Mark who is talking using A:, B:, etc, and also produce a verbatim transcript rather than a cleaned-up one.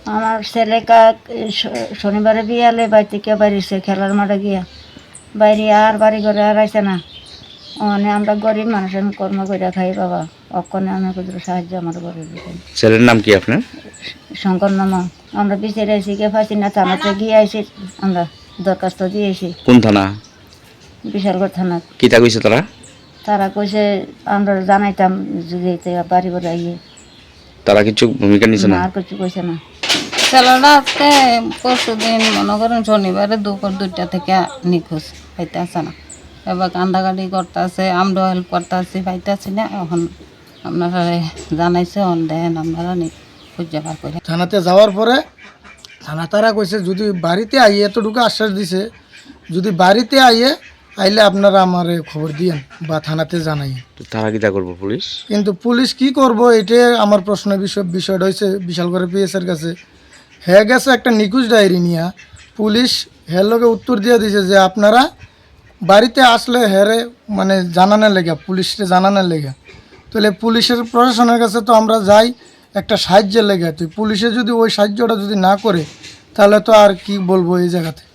A: আমার ছেলে কাক শনিবারে বিয়ালে বাড়ি থেকে বাড়িছে খেলার মাঠে গিয়া বাইরে আর বাড়ি ঘরে আর আইসে না। মানে আমরা গরিব মানুষ, আমি কর্ম করে খাই বাবা, অক্ষণে আমি কিছু সাহায্য আমার করে দিতেন।
B: ছেলের নাম কি আপনার?
A: শঙ্কর নামা। আমরা বিচারে আইসি কে পাইছি না, থানাতে গিয়ে আইসি, আমরা দরখাস্ত দিয়েছি
B: কোন থানা?
A: বিশালগড় থানা।
B: কিতা কইছে তারা?
A: তারা কইছে আমরা জানাইতাম যদি এতে বাড়ি ঘরে আইয়ে।
B: তারা কিছু ভূমিকা নিছে না?
A: আর কিছু কইছে না।
C: ছেলেরা আজকে পরশু দিন মনে করেন শনিবারে দুপুর দুইটা থেকে নিখোঁজ, পাইতে আসে না। এবার কান্দাকাটি করতে আছে, আমরাও হেল্প করতে আছি, পাইতে আছি না। এখন আপনারা জানাইছে অন দেন আপনারা নি খুঁজে বার করে।
D: থানাতে যাওয়ার পরে থানা তারা কইছে যদি বাড়িতে আইয়ে, এতটুকু আশ্বাস দিছে যদি বাড়িতে আইয়ে আইলে আপনারা আমারে খবর দিয়েন বা থানাতে জানাই।
B: তো তারা কিতা করবো পুলিশ?
D: কিন্তু পুলিশ কি করব এটা আমার প্রশ্ন। বিষয় বিষয়টা হয়েছে বিশালগড় পিএসের কাছে। হ্যাঁ গেছে একটা নিখোঁজ ডায়েরি নিয়ে, পুলিশ হের লোকে উত্তর দিয়ে দিছে যে আপনারা বাড়িতে আসলে হেরে মানে জানানোর লেগে, পুলিশকে জানানোর লেগে। তাহলে পুলিশের প্রশাসনের কাছে তো আমরা যাই একটা সাহায্যের লেগে, তো পুলিশে যদি ওই সাহায্যটা যদি না করে তাহলে তো আর কি বলবো এই জায়গাতে।